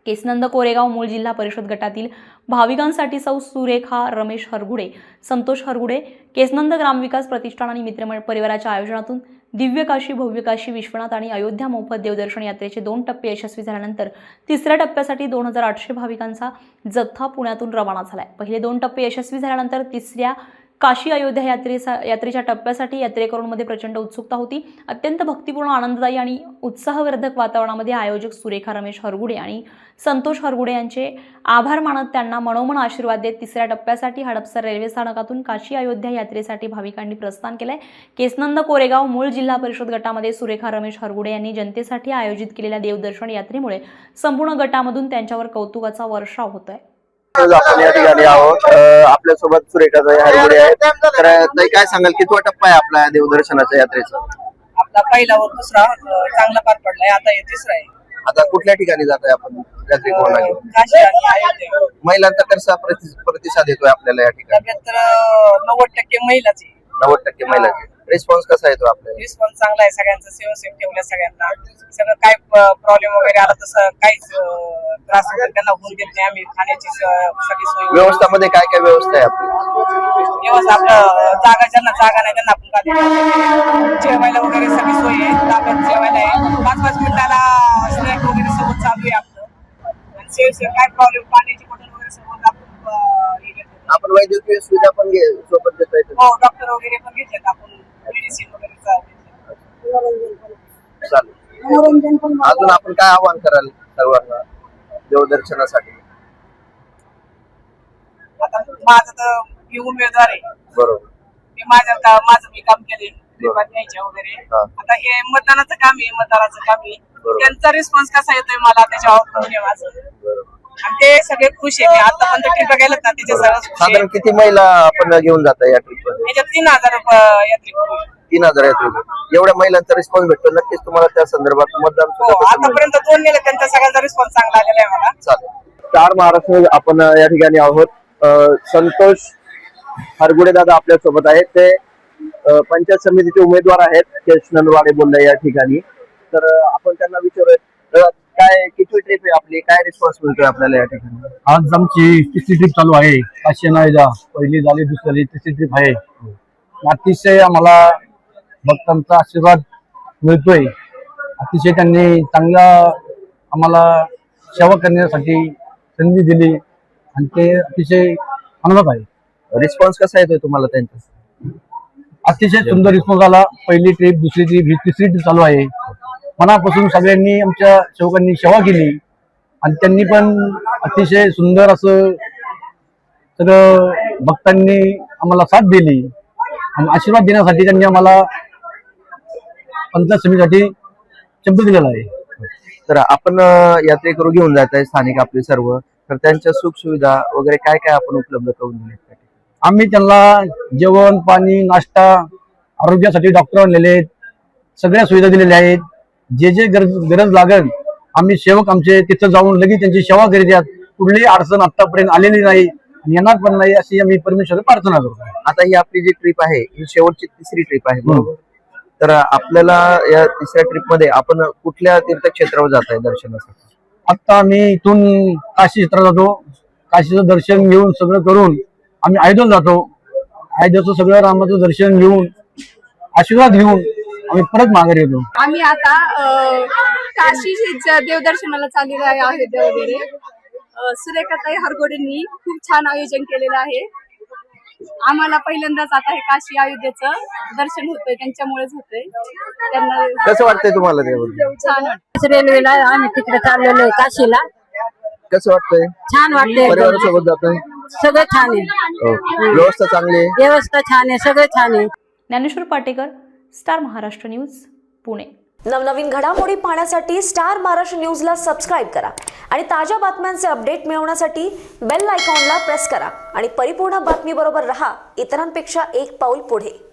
केसनंद कोरेगाव मूळ जिल्हा परिषद गटातील भाविकांसाठी सौ सुरेखा रमेश हरगुडे, संतोष हरगुडे, केसनंद ग्रामविकास प्रतिष्ठान आणि मित्रमंडळ परिवाराच्या आयोजनातून दिव्य काशी, भव्य काशी, विश्वनाथ आणि अयोध्या मोफत देवदर्शन यात्रेचे 2 टप्पे यशस्वी झाल्यानंतर तिसऱ्या टप्प्यासाठी 2800 भाविकांचा जथ्था पुण्यातून रवाना झालाय। पहिले 2 टप्पे यशस्वी झाल्यानंतर तिसऱ्या काशी अयोध्या यात्रेच्या टप्प्यासाठी यात्रेकरूंमध्ये प्रचंड उत्सुकता होती। अत्यंत भक्तिपूर्ण, आनंददायी आणि उत्साहवर्धक वातावरणामध्ये आयोजक सुरेखा रमेश हरगुडे आणि संतोष हरगुडे यांचे आभार मानत त्यांना मनोमन आशीर्वाद देत तिसऱ्या टप्प्यासाठी हडपसर रेल्वे स्थानकातून काशी अयोध्या यात्रेसाठी भाविकांनी प्रस्थान केलंय। केसनंद कोरेगाव मूळ जिल्हा परिषद गटामध्ये सुरेखा रमेश हरगुडे यांनी जनतेसाठी आयोजित केलेल्या देवदर्शन यात्रेमुळे संपूर्ण गटामधून त्यांच्यावर कौतुकाचा वर्षाव होतोय। आपण या ठिकाणी आहोत, आपल्यासोबत सुरेखाताई हरगुडे आहेत। तर ताई, काय सांगाल, कितवा टप्पा आहे आपल्या देवदर्शनाच्या यात्रेचा? आपला पहिला व दुसरा चांगला पार पडलाय, आता हे तिसरा आहे। आता कुठल्या ठिकाणी जातोय आपण यात्रेकरूंना घेऊन? काशी आणि अयोध्या। महिलांचा कसा प्रतिसाद येतोय आपल्याला या ठिकाणी? तर 90% महिलाची, 90% महिलांचे रिस्पॉन्स कसा येतो आपल्याला? रिस्पॉन्स चांगला आहे, सगळ्यांचं सेव ठेवलं, सगळ्यांना सगळं काय प्रॉब्लेम वगैरे आला तसं काहीच त्रास वगैरे त्यांना होऊन देत नाही। आम्ही खाण्याची सगळी सोय, व्यवस्थामध्ये काय काय व्यवस्था आहे आपली? व्यवस्था आपलं ज्यांना जागा नाही त्यांना आपण जेवायला वगैरे सगळी सोय आहे, ताब्यात जेवायला आहे, 5-5 मिनिटाला स्नॅक वगैरे सोबत चालू आहे आपलं। आणि सेव काय प्रॉब्लेम, पाण्याची बॉटल वगैरे सोबत आपण वैद्यकीय सुविधा पण सोबत देता येते? हो, डॉक्टर वगैरे पण घेतात आपण, मेडिसिन वगैरे चालेल। अजून आपण काय आवाहन कराल सर्वांना देवदर्शनासाठी? आता माझं तर मी उमेदवार आहे, बरोबर, माझं मी काम केले वगैरे। आता हे मतदानाचं काम आहे, मतदाराचं काम आहे, त्यांचा रिस्पॉन्स कसा येतोय मला त्याच्यावर माझं, आणि ते सगळे खुश आहे। आता पण ट्रिप गेलेत ना, त्याच्या साधारण किती महिला आपण घेऊन जाता या ट्रिप मध्ये? त्याच्यात 3000 यात्रेकरू, 3000 यात्रेकरू। एवढ्या महिलांचा रिस्पॉन्स भेटतो, नक्कीच तुम्हाला त्या संदर्भात मतदान आतापर्यंत 2 नेले, त्यांचा सगळ्यांचा रिस्पॉन्स चांगला आलेला आहे मला। चालेल। स्टार महाराष्ट्र आपण या ठिकाणी आहोत। संतोष हरगुडे दादा आपल्या सोबत आहेत, ते पंचायत समितीचे उमेदवार आहेत केसनंदवाडी बोलले या ठिकाणी। तर आपण त्यांना विचारूया, काय किती ट्रिप आहे आपली, काय रिस्पॉन्स मिळतोय आपल्याला या ठिकाणी? आज आमची तिसरी ट्रिप चालू आहे, काशी अयोध्या। पहिली झाली, दुसरी झाली, तिसरी ट्रिप आहे। अतिशय आम्हाला भक्तांचा आशीर्वाद मिळतोय, अतिशय त्यांनी चांगला आम्हाला सेवा करण्यासाठी संधी दिली आणि ते अतिशय आनंदात आहे। रिस्पॉन्स कसा येतोय तुम्हाला त्यांचा? अतिशय सुंदर रिस्पॉन्स आला। पहिली ट्रिप, दुसरी ट्रिप, ही तिसरी ट्रिप चालू आहे। मनापासून सगळ्यांनी आमच्या सेवकांनी सेवा केली आणि त्यांनी पण अतिशय सुंदर असं सगळं भक्तांनी आम्हाला साथ दिली आणि आशीर्वाद देण्यासाठी त्यांनी आम्हाला पंचायत समितीसाठी शब्द दिलेला आहे। तर आपण यात्रेकरू घेऊन जात आहे स्थानिक आपले सर्व, तर त्यांच्या सुख सुविधा वगैरे काय काय आपण उपलब्ध करून दिले? आम्ही त्यांना जेवण, पाणी, नाश्ता, आरोग्यासाठी डॉक्टर आणलेले आहेत, सगळ्या सुविधा दिलेल्या आहेत। जे जे गरज लागेल आम्ही सेवक आमचे तिथं जाऊन लगेच त्यांची सेवा करीत आहेत। कुठलीही अडचण आतापर्यंत आलेली नाही आणि येणार पण नाही, अशी आम्ही परमेश्वर प्रार्थना करतो। आता ही आपली जी ट्रिप आहे ही शेवटची तिसरी ट्रिप आहे, बरोबर? तर आपल्याला या तिसऱ्या ट्रिप मध्ये आपण कुठल्या तीर्थक्षेत्रावर जात आहे दर्शनासाठी? आता आम्ही इथून काशी क्षेत्रात जातो, काशीचं दर्शन घेऊन सगळं करून आम्ही अयोध्येला जातो। अयोध्येचं सगळं रामाचं दर्शन घेऊन आशीर्वाद घेऊन आम्ही परत माघारी येतो। आम्ही आता काशी देवदर्शनाला चाललेलो आहे, अयोध्या वगैरे। सुरेखाताई हरगुडेंनी खूप छान आयोजन केलेलं आहे। आम्हाला पहिल्यांदाच आता हे काशी अयोध्येचं दर्शन होतंय, त्यांच्यामुळेच होतंय। त्यांना कसं वाटतंय तुम्हाला त्याबद्दल? छान वाटतं। रेल्वेला आम्ही तिकडे चाललेलो आहे काशीला। कसं वाटतंय? छान वाटतंय, परिवारासोबत जातोय? सगळं छान आहे, व्यवस्था चांगली आहे, व्यवस्था छान आहे, सगळं छान आहे। Dnyaneshwar Patekar, Star Maharashtra news, Pune. नवनवीन घडामोडी पाहण्यासाठी स्टार महाराष्ट्र न्यूजला सबस्क्राईब करा आणि ताज्या बातम्यांचे अपडेट मिळवण्यासाठी बेल आयकॉनला प्रेस करा आणि परिपूर्ण बातमीबरोबर रहा, इतरांपेक्षा एक पाऊल पुढे।